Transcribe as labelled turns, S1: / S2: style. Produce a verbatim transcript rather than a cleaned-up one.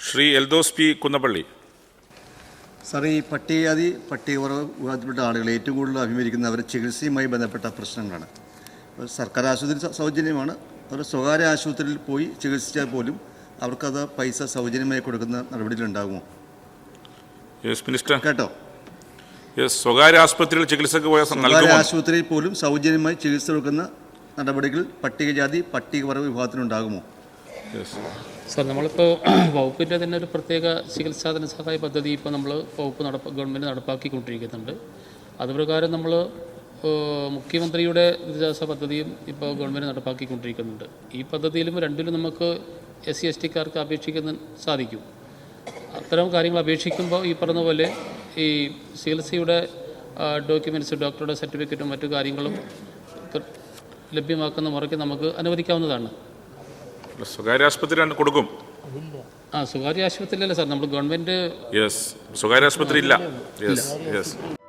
S1: Shri Eldhose P Kunnappilly.
S2: Sir, ഈ പട്ടികജാതി പട്ടികവർഗ വിഭാഗത്തിൽപ്പെട്ട ആളുകൾ ഏറ്റവും കൂടുതൽ അഭിമുഖീകരിക്കുന്ന അവരുടെ ചികിത്സയുമായി ബന്ധപ്പെട്ട പ്രശ്നങ്ങളാണ്. സർക്കാർ ആശുപത്രി സൗജന്യമാണ്. അവർ സ്വകാര്യ ആശുപത്രിയിൽ പോയി ചികിത്സിച്ചാൽ പോലും അവർക്കത് പൈസ സൗജന്യമായി കൊടുക്കുന്ന നടപടിയിലുണ്ടാകുമോ?
S1: Yes minister.
S2: കേട്ടോ,
S1: യെസ്, സ്വകാര്യ ആശുപത്രിയിൽ ചികിത്സക്ക് പോയ
S2: സ്വകാര്യ ആശുപത്രിയിൽ പോലും സൗജന്യമായി ചികിത്സ കൊടുക്കുന്ന നടപടികൾ പട്ടികജാതി പട്ടികവർഗ വിഭാഗത്തിനുണ്ടാകുമോ?
S3: സാർ, നമ്മളിപ്പോൾ വകുപ്പിൻ്റെ തന്നെ ഒരു പ്രത്യേക ചികിത്സാ ധനസഹായ പദ്ധതി ഇപ്പോൾ നമ്മൾ വകുപ്പ് നടപ്പ ഗവൺമെൻറ് നടപ്പാക്കിക്കൊണ്ടിരിക്കുന്നുണ്ട്. അതുപ്രകാരം നമ്മൾ മുഖ്യമന്ത്രിയുടെ ദുരിതാശ്വാസ പദ്ധതിയും ഇപ്പോൾ ഗവൺമെൻറ് നടപ്പാക്കിക്കൊണ്ടിരിക്കുന്നുണ്ട്. ഈ പദ്ധതിയിലും രണ്ടിലും നമുക്ക് എസ് സി എസ് ടിക്കാർക്ക് അപേക്ഷിക്കാൻ സാധിക്കും. അത്തരം കാര്യങ്ങൾ അപേക്ഷിക്കുമ്പോൾ ഈ പറഞ്ഞ പോലെ ഈ ചികിത്സയുടെ ഡോക്യുമെൻറ്റ്സ്, ഡോക്ടറുടെ സർട്ടിഫിക്കറ്റും മറ്റു കാര്യങ്ങളും ലഭ്യമാക്കുന്ന മുറയ്ക്ക് നമുക്ക് അനുവദിക്കാവുന്നതാണ്.
S1: സ്വകാര്യ ആശുപത്രി കൊടുക്കും.
S3: ആ സ്വകാര്യ ആശുപത്രിയിലല്ല സാർ, നമ്മൾ ഗവൺമെൻറ്.
S1: യെസ്, സ്വകാര്യ ആശുപത്രി ഇല്ല. Yes yes